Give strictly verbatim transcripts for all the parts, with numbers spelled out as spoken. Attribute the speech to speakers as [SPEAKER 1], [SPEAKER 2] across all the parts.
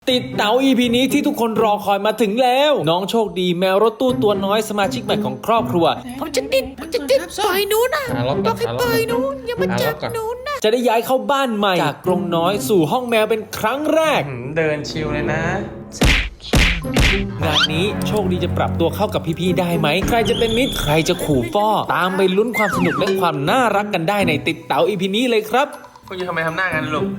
[SPEAKER 1] ติดเต๋า อี พี นี้ที่ทุกคนรอคอยมาถึงแล้วน้องโชคดีแมวรถตู้ตัวน้อยสมาชิกใหม่ของครอบครัว
[SPEAKER 2] ผมจะติดผมจะติดปล่อยหนูนะต้องให้ปล่อยหนูอย่ามาจับหนูนะ
[SPEAKER 1] จะได้ย้ายเข้าบ้านใหม่จากกรงน้อยสู่ห้องแมวเป็นครั้งแรก
[SPEAKER 3] เดินชิลเลยนะ
[SPEAKER 1] งานนี้โชคดีจะปรับตัวเข้ากับพี่ๆได้ไหมใครจะเป็นมิตรใครจะขู่ฟ้อตามไปลุ้นความสนุกและความน่ารักกันได้ในติดเต๋า อี พี นี้เลยครับ
[SPEAKER 3] คุณจะทำไมทำหน้ากันลูก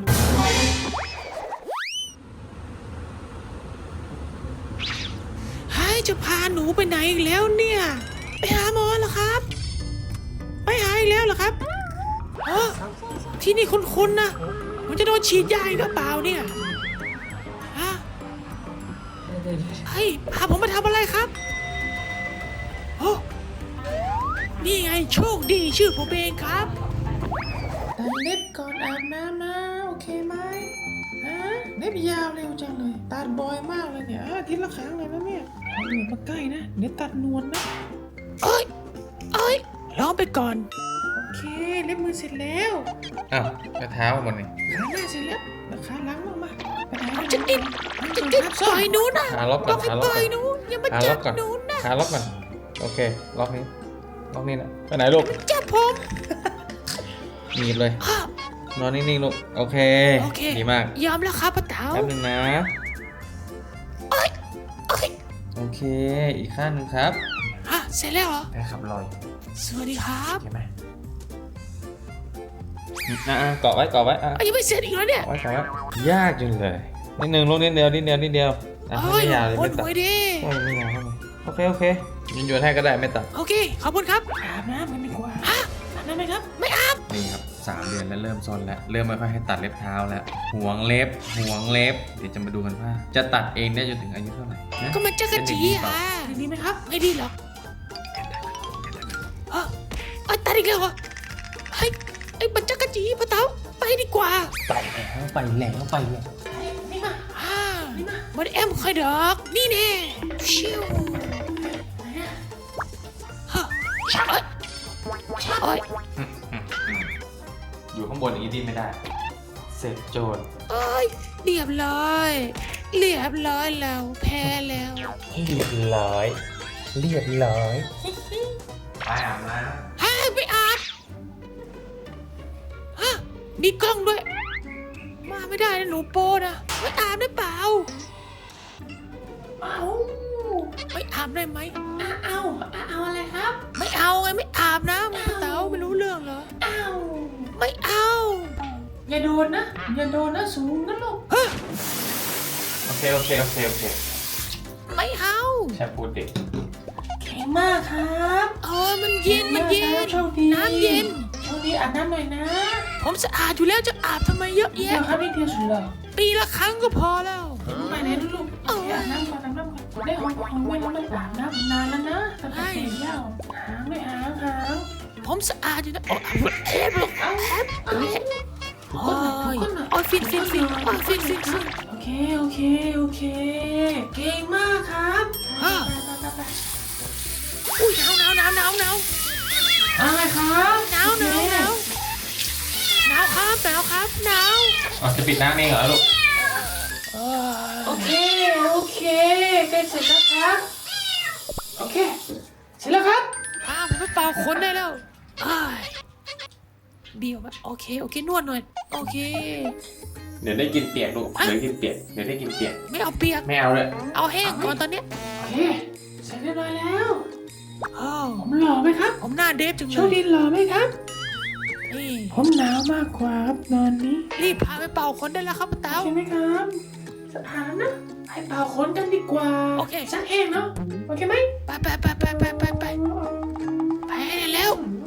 [SPEAKER 2] จะพาหนูไปไหนอีกแล้วเนี่ยไปหาหมอเหรอครับไปหาอีกแล้วเหรอครับเออที่นี่คุ้นๆนะมันจะโดนฉีดยาอีกหรือเปล่าเนี่ยฮะเฮ้ยพาผมมาทำอะไรครับโอ้นี่ไงโชคดีชื่อผมเองครับตัดเล็บก่อนอาบน้ำนะโอเคไหมฮะเล็บยาวเร็วจังเลยตัดบ่อยมากเลยเนี่ยอาทิตย์ละครั้งเลยนะเนี่ยเอาหนวดมาใกล้นะเดี๋ยวตัดนวลนะเอ้ยเอ้ยลองไปก่อนโอเคเล็บมือเสร็จแล้ว
[SPEAKER 3] อ้าวกระเท้าหมดนี่
[SPEAKER 2] ขาหน้าเสร็จแล้วแล้วขาหลังลงมาผมจะติดผมจะติดปล่อยหนูนะต้องให้ปล่อยหนูอย่ามาจับหนูนะ
[SPEAKER 3] ขาล็อกก่อนโอเคล็อกนี้ล็อกนี้นะไปไหนลูก
[SPEAKER 2] จับผม
[SPEAKER 3] หนีบเลยนอนนิ่งๆลูกโอเคดีมาก
[SPEAKER 2] ยอมแล้วครับป้าเต๋า
[SPEAKER 3] แป๊บนึงนะโอเคอีกข้างนึงครับ
[SPEAKER 2] ฮะเสร็จแล้วเหรอ
[SPEAKER 3] ได้ครับลอย
[SPEAKER 2] สวัสดีครับ
[SPEAKER 3] ใช่ไหมอ่ะเกาะไว้เกาะไว้อ่ะ
[SPEAKER 2] ยังไม่เสร็จอีกแล้วเนี่ย
[SPEAKER 3] ไว้เกาะไว้ยากจังเลยนิดนึงลูกนิดเดียวนิดเดียวนิดเดียวอ่ะไม่ยาวเลยไม่ตัดไม่ยาวโอเคโอเคยืนยันให้ก็ได้ไม่ตัด
[SPEAKER 2] โอเคขอบคุณครับอาบน้ำกันดีกว่าฮะอาบน้ำไหมครับไม่อาบ
[SPEAKER 3] นี่ครับสามเดือนแล้วเริ่มซนแล้วเริ่มไม่ค่อยให้ตัดเล็บเท้าแล้วห่วงเล็บห่วงเล็บเดี๋ยวจะมาดูกันว่าจะตัดเองได้จนถึงอายุเท่าไหร่
[SPEAKER 2] ก็มันจะกระจีอ่ะดีไหมครับไม่ดีหรอกฮะไอ้ตัดอีกแล้วเหรอไอ้ไอ้มันจะกระจีป้าเต๋าไปดีกว่า
[SPEAKER 1] ไปแล้วไปแล้วไปแล้ว
[SPEAKER 2] นี่มาฮ่านี่มาบอดแอมค่อยดอกนี่แน่ชิวฮะเอ้ยเอ้ย
[SPEAKER 3] อยู่ข้างบนอย่างนี้ดิ้นไม่ได้เสร็จโจร
[SPEAKER 2] เอ้ยเรียบร้อยเรียบร้อยแล้วแพ้แล้ว
[SPEAKER 1] เรียบร้อยเรียบร้อย
[SPEAKER 3] ไปอาบน้ำ
[SPEAKER 2] ฮะไปอาบฮะมีกล้องด้วยมาไม่ได้นะหนูโป้นะไม่อาบได้เปล่าเอาไม่อาบได้ไหมเอาเอาอะไรครับไม่เอาไงไม่อาบนะมึงเต๋าไม่รู้เรื่องเหรอเอาไม่เอาอย่าโดนนะอย่าโดนนะสูงนะลูก
[SPEAKER 3] โอเคโอเคโอเคโอเค
[SPEAKER 2] ไม่เอา
[SPEAKER 3] แค่พูดเด็ก
[SPEAKER 2] แข็งมากครับเออมันเย็นมันเย็นน้ำเย็นช่วงนี้อาบน้ำหน่อยนะผมสะอาดอยู่แล้วจะอาบทำไมเยอะแยะเดี๋ยวครับนี่เดียวสุดเลยปีละครั้งก็พอแล้วไปไหนลูกอาบน้ำก่อนอาบน้ำก่อนได้หอมหอมไม่ต้องอาบน้ำนานแล้วนะตั้งแต่เด็กแล้วหางไม่หางหางผมสะอาดอยู่นะโอ้เอฟลูกเอฟเอฟโอ้ยโอ้ยฟินฟินฟินโอ้ยฟินฟินฟินโอเคโอเคโอเคเก่งมากครับอุ้ยหนาวหนาวหนาวหนาวหนาวอะไรครับหนาวหนาวหนาวหนาวครับหนาวครับหนาว
[SPEAKER 3] อ๋อจะปิดน้ำเองเหรอลูก
[SPEAKER 2] โอเคโอเคใกล้เสร็จแล้วครับโอเคเสร็จแล้วครับอ้าวผมไปเป่าขนได้แล้วเบี้ยวไหมโอเคโอเคนวดหน่อยโอเค
[SPEAKER 3] เดี๋ยวได้กินเปียกลูกเดี๋ยวกินเปียกเดี๋ยวได้กินเปียก
[SPEAKER 2] ไม่เอาเปียก
[SPEAKER 3] ไม่เอาเลย
[SPEAKER 2] เอาแห้งก่อนตอนนี้โอเคเสร็จเรียบร้อยแล้วผมหล่อไหมครับผมหน้าเดฟจังเลยโชคดีหล่อไหมครับนี่ผมหนาวมากกว่าครับนอนนี้รีบพาไปเป่าขนได้แล้วครับป้าเต๋าใช่ไหมครับสถานนะไปเป่าขนกันดีกว่าโอเคซักเองเนาะโอเคไหมไปไปไปไปไปไปไปไปแล้ว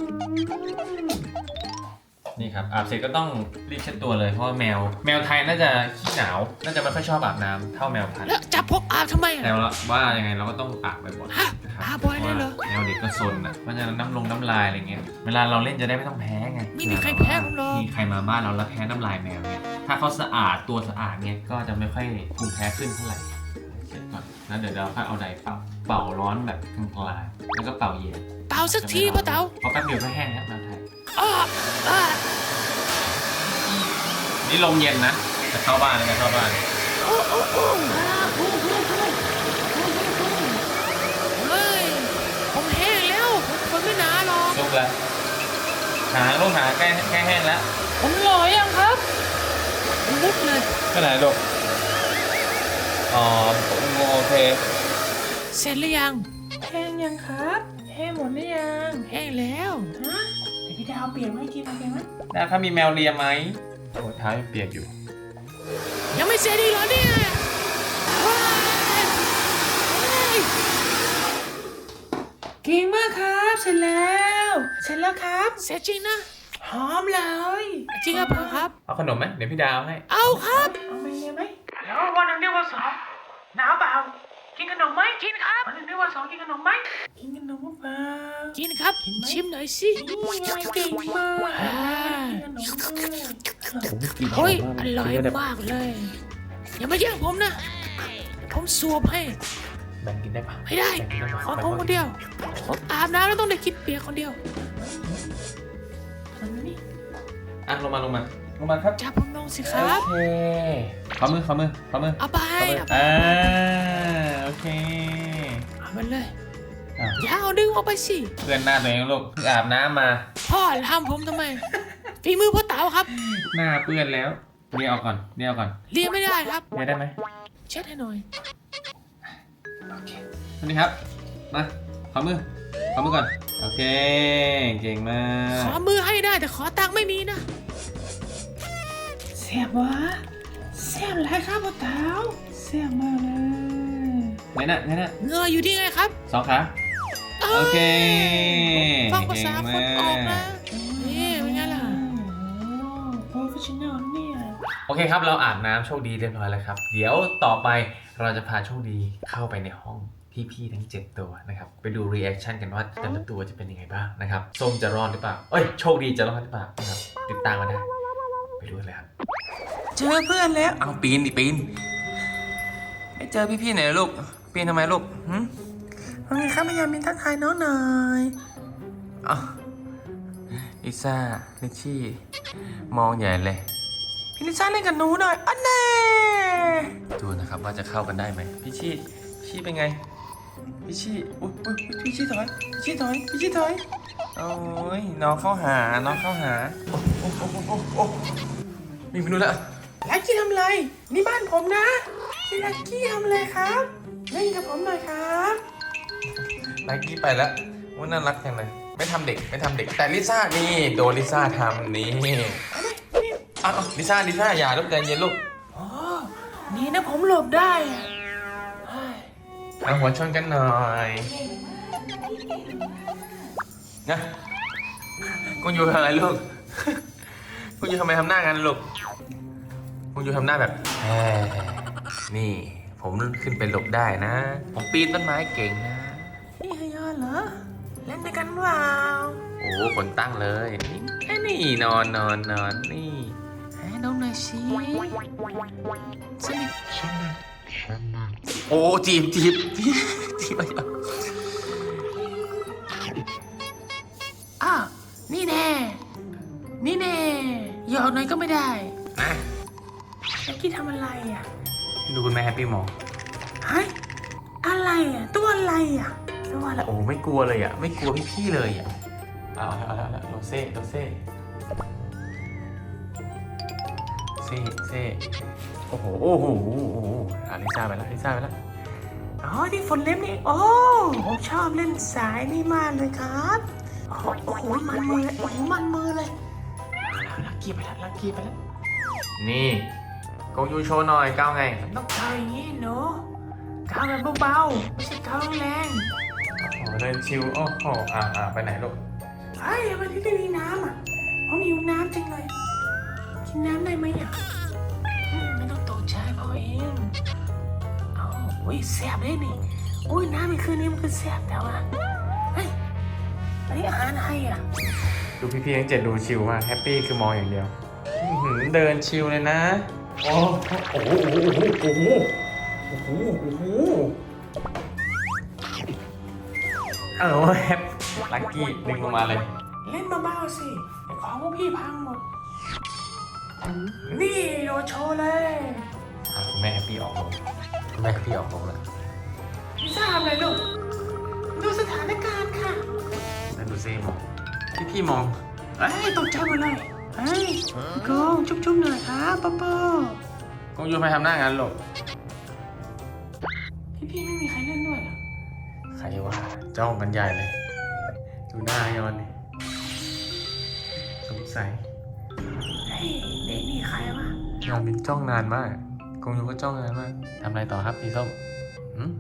[SPEAKER 3] นี่ครับอาบเสร็จก็ต้องรีบเช็ดตัวเลยเพราะว่าแมวแมวไทยน่าจะขี้หนาวน่าจะไม่ค่อยชอบอาบน้ำเท่าแมวพันธุ์
[SPEAKER 2] แล้วจับพกอาบทำไม
[SPEAKER 3] แต่ว่ายังไงเราก็ต้องอาบบ่อย
[SPEAKER 2] ๆอาบบ่อยเลยเหรอ
[SPEAKER 3] แมวเด็กก็ซนอ่ะเพราะฉะนั้นน้ำลงน้ำลายอะไรเงี้ยเวลาเราเล่นจะได้ไม่ต้องแพ้ไง
[SPEAKER 2] ไม่มีใครแพ้หรอก
[SPEAKER 3] มีใครมาบ้านเราแล้วแพ้น้ำลายแมวเนี่ยถ้าเขาสะอาดตัวสะอาดเนี่ยก็จะไม่ค่อยภูมิแพ้ขึ้นเท่าไหร่เสร็จก่อนแล้วเดี๋ยวเราค่อยเอาไดร์เป่าเป่าร้อนแบบกลางๆแล้วก็เป่าเย็น
[SPEAKER 2] เป่าสักทีป้าเต๋า
[SPEAKER 3] พอแป๊บเดียวก็แห้งแล้วแมวไทยนี่ลมเย็นนะจะเข้าบ้านเลยจะเข้าบ้าน
[SPEAKER 2] โอ้โอ้โอ้อ่าพุ่งพุ่งพุ่งพุ่งพุ่งพุ่งเฮ้ยผมแห้งแล้วผมทนไม่นานหรอก
[SPEAKER 3] ลูกละหางลูกหางใกล้ใกล้แห้งแล้ว
[SPEAKER 2] ผมหล่อยังครับมุดเลย
[SPEAKER 3] ไปไหนลูกอ๋อโอเค
[SPEAKER 2] เสร็จหรือยัง
[SPEAKER 4] แห้งยังครับแห้งหมดหรือยัง
[SPEAKER 2] แห้งแล้ว
[SPEAKER 4] ฮะเดี๋ยวพี่ดาวเปลี่ยนให้กินเอาเปลี่ยนไหม
[SPEAKER 3] ดาวถ้ามีแมวเลียไหมโอ้เท้ายังเปียกอยู่
[SPEAKER 2] ยังไม่เสร็จอีกเหรอเนี่ยว้ายเฮ้ย
[SPEAKER 4] เก่งมากครับเสร็จแล้วเสร็จแล้วครับ
[SPEAKER 2] เสร็จจริงนะ
[SPEAKER 4] หอมเลย
[SPEAKER 2] จริงหรือเปล่าครับ
[SPEAKER 3] เอาขนมไหมเดี๋ยวพี่ดาวให้
[SPEAKER 2] เอาครับ
[SPEAKER 4] เอาไปเลยไหมแล้ววันหนึ่งเดียววันสองหนาวเปล่ากินขนมไหม
[SPEAKER 2] กินครับ
[SPEAKER 4] วันหนึ่งเดียววันสองกินขนมไหมกินขนมเปล่า
[SPEAKER 2] กินครับชิมหน่อยสิ
[SPEAKER 4] นี่ไงเก่งมาก
[SPEAKER 2] อ่า
[SPEAKER 4] กินขนมเลย
[SPEAKER 2] เฮ้ยอร่อยมากเลย อย่ามาแย่งผมนะ ผมสวบให้
[SPEAKER 3] แบ่งกินได้ปะ
[SPEAKER 2] ไม่ได้
[SPEAKER 3] แบ่งกินได้ปะ
[SPEAKER 2] ขอผมคนเดียวผมอาบน้ำแล้วต้องได้กินเปียกคนเดียว
[SPEAKER 4] ทำนี่
[SPEAKER 3] อ่ะลงมาลงมาลงมาครับ
[SPEAKER 2] จับผมลงสิครับ
[SPEAKER 3] โอเคขอมือขอมือขอมือ
[SPEAKER 2] เอาไป
[SPEAKER 3] ขอมือ
[SPEAKER 2] เอาไป
[SPEAKER 3] อ่าโอเค
[SPEAKER 2] เอามันเลย
[SPEAKER 3] อ่ะ
[SPEAKER 2] อย่าเอาดึงออกไปสิ
[SPEAKER 3] เพื่อนหน้าตัวเองลูกเพิ่งอาบน้ำมา
[SPEAKER 2] พ่อทำผมทำไมฝีมือพ่อเต๋าครับ
[SPEAKER 3] หน้าเปื้อนแล้วเรียกเอาก่อนเรียกเอาก่อน
[SPEAKER 2] เรียนไม่ได้ครับ
[SPEAKER 3] เรียกได้ไหม
[SPEAKER 2] เช็ดให้หน่อย
[SPEAKER 3] โอเคสวัสดีครับมาขอมือขอมือก่อนโอเคเก่งมา
[SPEAKER 2] ขอก มือให้ได้แต่ขอตังค์ไม่มีนะ
[SPEAKER 4] แซ่บวะแซ่บอะไรครับพ่อเต๋าแซ่บมากเลย
[SPEAKER 3] ไหนน่ะไหนน่ะ
[SPEAKER 2] เงยอยู่ที่ไงครับ
[SPEAKER 3] สองขาโอเค
[SPEAKER 2] ฟังภาษาคนออกนะ
[SPEAKER 3] เก่งมาก
[SPEAKER 2] นี่เป็นไงล่ะ
[SPEAKER 4] โปรเฟชชั่นแนลเนี่ย
[SPEAKER 3] โอเคครับเราอาบน้ำโชคดีเรียบร้อยแล้วครับเดี๋ยวต่อไปเราจะพาโชคดีเข้าไปในห้องพี่ๆทั้งเจ็ดตัวนะครับไปดูรีแอคชั่นกันว่าแต่ละตัวจะเป็นยังไงบ้างนะครับส้มจะรอดหรือเปล่าเอ้ยโชคดีจะรอดหรือเปล่านะครับติดตามมาได้ไปดูกันเลยครับ
[SPEAKER 4] เจอเพื่อนแล้ว
[SPEAKER 3] เอาปีนดิปีนไม่เจอพี่ๆไหนลูกปีนทำไมลูกหืม
[SPEAKER 4] ว่าไงครับพยายามมินทักทายน้องหน่อย
[SPEAKER 3] อ้าวลิซ่าลิชชี่มองใหญ่เลย
[SPEAKER 4] พี่ลิซ่าเล่นกับหนูหน่อยอันแน่
[SPEAKER 3] ดูนะครับว่าจะเข้ากันได้ไหมพี่ชี่พี่ชี่เป็นไงพี่ชี่อุ๊ยอุ๊ยอุ๊ยพี่ชี่ถอยพี่ชี่ถอยพี่ชี่ถอยโอ้ยน้องเข้าหาน้องเข้าหาโอ้โอ้โอ้โอ้โอ้มีมนุษย์ละ
[SPEAKER 4] ลักกี้ทำอะไรนี่บ้านผมนะพี่ลักกี้ทำอะไรครับเล่นกับผมหน่อยครับ
[SPEAKER 3] ไนกี้ไปแล้วว่าน่ารักจังเลยไม่ทำเด็กไม่ทำเด็กแต่ลิซ่านี่โดนลิซ่าทำนี่อ้าวลิซ่าลิซ่าอย่าลูกใจเย็นลูก
[SPEAKER 4] โอ้นี่นะผมหลบได้อะเฮ้ย
[SPEAKER 3] เอาหัวชนกันหน่อยนะคุณอยู่ทำอะไรลูก คุณอยู่ทำไมทำหน้ากันลูกคุณอยู่ทำหน้าแบบแหมนี่ผมขึ้นไปหลบได้นะ ผมปีนต้นไม้เก่งนะ
[SPEAKER 4] นี่ฮยอนเหรอเล่นด้วยกันเปล่า
[SPEAKER 3] โอ้คนตั้งเลยไอ้นี่นอนนอนนอนนี่
[SPEAKER 4] ให้น้องหน่อยสิสนิท
[SPEAKER 3] โอ้จีบจีบจีบจีบอะไรอ่ะ
[SPEAKER 4] อ้าวนี่แน่นี่แน่หยอกหน่อยก็ไม่ได้
[SPEAKER 3] นะ
[SPEAKER 4] ลักกี้ทำอะไรอ่ะ
[SPEAKER 3] ดูคุณแม่แฮปปี้มอง
[SPEAKER 4] เฮ้ยอะไรอ่ะตัวอะไรอ่ะตัวอะไร
[SPEAKER 3] โอ้ไม่กลัวเลยอ่ะไม่กลัวพี่ๆเลยอ่ะเอาเอาเอาเอาโรเซ่โรเซ่เซ่เซ่โอ้โหโอ้โหโอ้โหอาลิซ่าไปแล้วลิซ่าไปแล้ว
[SPEAKER 4] อ๋อที่ฝนเล็บนี่โอ้ผมชอบเล่นสายนี่มากเลยครับโอ้โหโอ้โหมันมือเลยโอ้โหมันมือเลยเอาลักกี้ไปแล้วลักกี้ไปแล้ว
[SPEAKER 3] นี่กงยูโชว์หน่อยก้าวไง
[SPEAKER 4] ต้องเกาอย่างนี้หนูเกาแบบเบาๆไม่ใช่เกาแรง
[SPEAKER 3] โอ้เดินชิวโอ้โหอ่าอ่าไปไหนลูก
[SPEAKER 4] เฮ้ยวันนี้ไม่มีน้ำอ่ะผมหิวน้ำจังเลยกินน้ำได้ไหมอ่ะอืมไม่ต้องตกใจพอเองเอาอุ้ยแซ่บเลยนี่อุ้ยน้ำในคืนนี้มันคือแซ่บแต่ว่าเฮ้ยอันนี้อาหารอะไรอ่ะ
[SPEAKER 3] ดูพี่ๆทั้งเจ็ดดูชิวมากแฮปปี้คือมองอย่างเดียวอื้อหือเดินชิวเลยนะโอ้โอ้โหโอ้โหโอ้โหโอ้โหเออแฮปลักกี้ดึงลงมาเลย
[SPEAKER 4] เล่นเบาๆสิเดี๋ยวของพวกพี่พังหมดนี่โดนโชว์เลย
[SPEAKER 3] อ่ะคุณแม่ม่แฮปปี้ออกลงคุณแม่แฮปปี้ออกลงแล้ว
[SPEAKER 4] ไม่ทราบเลยลูก ดูสถานการณ์ค่ะ
[SPEAKER 3] นั่นดูซิมองพี่พี่มอง
[SPEAKER 4] เอ้ยตกใจหมดเลย เฮ้ยโกงจุ๊บๆหน่อยครับป๊อปโป้
[SPEAKER 3] กงยูไปทำหน้างานหลบ
[SPEAKER 4] พี่ๆไม่มีใครเล่นด้วยเหรอ
[SPEAKER 3] ใครวะจ้องกันใหญ่เลย ดูหน้ายอนดิสงสัย
[SPEAKER 4] เฮ้ยเด็กนี่ใครวะ
[SPEAKER 3] ยอนมินจ้องนานมากกงยูก็จ้องนานมากทำอะไรต่อครับพี่ส้มหืม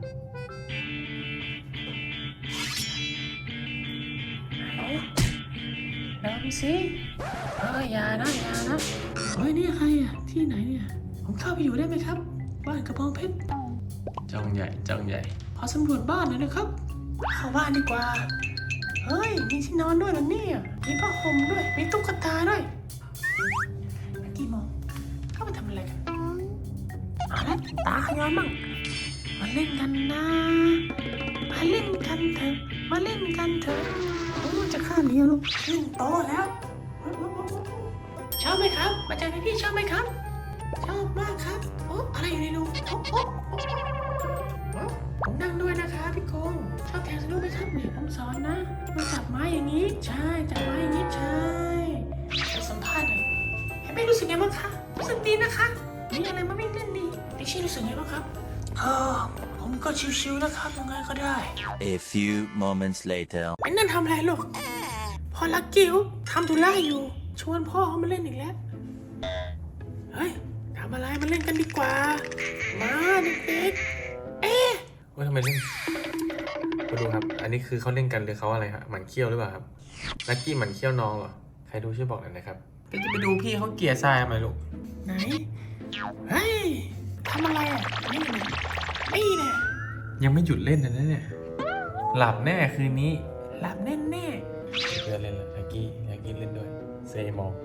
[SPEAKER 4] ไหนลองสิเฮ้ยอย่านะอย่านะเฮ้ยนี่ใครอ่ะ ที่ไหนเนี่ย ผมเข้าไปอยู่ได้ไหมครับ บ้านกระบองเพชร
[SPEAKER 3] จ้องใหญ่จ้องใหญ่
[SPEAKER 4] ขอสำรวจบ้านหน่อยนะครับ เข้าบ้านดีกว่า เฮ้ย มีที่นอนด้วยเหรอเนี่ย มีผ้าห่มด้วย มีตุ๊กตาด้วยเมื่อกี้มองเข้าไปทำอะไรกันเอาละตาขย้อนมั่งมาเล่นกันนะ มาเล่นกันเถอะ มาเล่นกันเถอะโอ้จะข้ามนี้ลูกขึ้นโตะแล้ว ชอบไหมครับ มาเจอพี่ๆชอบไหมครับ ชอบมากครับ โอ้อะไรอยู่ในรูโอ้โอ้โอ้โอ้ผมนั่งด้วยนะคะพี่โกงชอบแทงสนุกไหมครับเนี่ยผมสอนนะมาจับไม้อย่างนี้ ใช่จับไม้อย่างนี้ใช่ไปสัมภาษณ์หน่อยเห็นไหมรู้สึกไงบ้างคะรู้สึกดีนะคะมีอะไรมาไม่เล่นดีพี่ชี่รู้สึกไงบ้างครับเออผมก็ชิวๆนะครับยังไงก็ได้
[SPEAKER 5] A few moments later.
[SPEAKER 4] ไอ้นั่นทำอะไรลูกพอลักกิ้วทำธุระอยู่ ชวนพ่อเขามาเล่นอีกแล้วเฮ้ยทำอะไรมาเล่นกันดีกว่ามาเด็กๆเอ๊ะ
[SPEAKER 3] ว่าทำไมเล่นมาดูครับ อันนี้คือเขาเล่นกันหรือเขาอะไรครับหมันเขี้ยวหรือเปล่าครับลักกี้หมันเขี้ยวน้องเหรอใครดูช่วยบอกหน่อยนะครับก็จะไปดูพี่เขาเกลียร์ทรายทำไมลูก
[SPEAKER 4] ไหน เฮ้ย ทำอะไรอ่ะ นี่ไงนี่แน่
[SPEAKER 3] ยังไม่หยุดเล่นนะเนี่ยหลับแน่คืนนี้
[SPEAKER 4] หลับแน่แน่
[SPEAKER 3] เพื่อนเล่นแล้วลักกี้ลักกี้เล่นด้วยเซมอง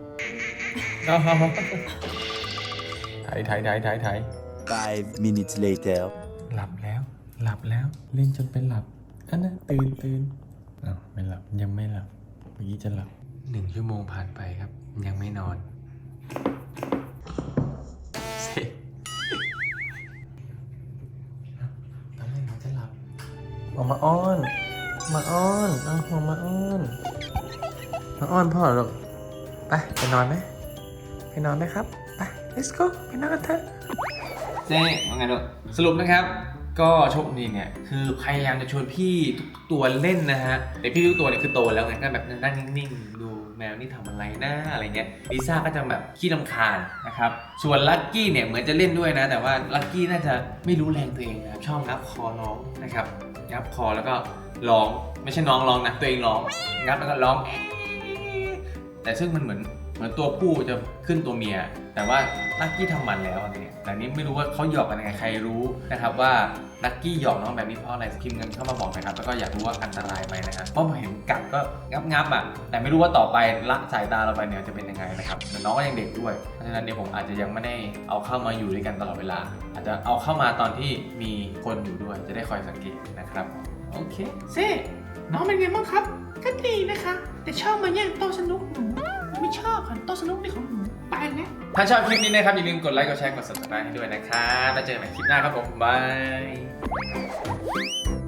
[SPEAKER 3] ถ่ายถ่ายถ่ายถ่ายถ่าย
[SPEAKER 5] Five minutes later.
[SPEAKER 3] หลับแล้ว หลับแล้วเล่นจนเป็นหลับอันนั้นตื่นตื่นอ้าวไม่หลับยังไม่หลับเมื่อกี้จะหลับหนึ่งชั่วโมงผ่านไปครับ ยังไม่นอนเซ่ตอนแรกเขาจะหลับออกมาอ้อน มาอ้อนเอาหัวมาอ้อนมาอ้อนพ่อหรอกไปไปนอนไหมไปนอนไหมครับไป let's go ไปนอนกันเถอะเจ๊ว่าไงลูกสรุปนะครับ ก็โชคดีเนี่ยคือพยายามจะชวนพี่ทุกตัวเล่นนะฮะแต่พี่ทุกตัวเนี่ยคือโตแล้วไงก็แบบนั่งนิ่งๆดูแมวนี่ทำอะไรนะอะไรเงี้ยลิซ่าก็จะแบบขี้รำคาญนะครับส่วนลักกี้เนี่ยเหมือนจะเล่นด้วยนะแต่ว่าลักกี้น่าจะไม่รู้แรงตัวเองนะชอบงับคอน้องนะครับงับคอแล้วก็ร้องไม่ใช่น้องร้องนะตัวเองร้องงับแล้วก็ร้องแต่ซึ่งมันเหมือนเหมือนตัวผู้จะขึ้นตัวเมียแต่ว่าลักกี้ทำมันแล้วอะไรเงี้ยแต่นี้ไม่รู้ว่าเขาหยอกกันยังไงใครรู้นะครับว่าลักกี้หยอกน้องแบบนี้เพราะอะไรพิมพ์กันเข้ามาบอกนะครับแล้วก็อยากรู้ว่าอันตรายไหมนะครับเพราะผมเห็นกัดก็งับงับอ่ะแต่ไม่รู้ว่าต่อไปละสายตาเราไปเนี่ยจะเป็นยังไงนะครับแต่น้องก็ยังเด็กด้วยเพราะฉะนั้นเดี๋ยวผมอาจจะยังไม่ได้เอาเข้ามาอยู่ด้วยกันตลอดเวลา อาจจะเอาเข้ามาตอนที่มีคนอยู่ด้วยจะได้คอยสังเกตนะครับโอเค
[SPEAKER 4] เซ่น้องเป็นไงบ้างครับ ก็ดีนะคะ แต่ชอบมาแย่งโต๊ะสนุกหนูไม่ชอบค่ะโต๊ะสนุกนี่ของหนูไปนะ
[SPEAKER 3] ถ้าชอบคลิปนี้นะครับอย่าลืมกดไลค์กดแชร์กด ซับสไครบ์ ให้ด้วยนะครับแล้วเจอกันใหม่คลิปหน้าครับผมบาย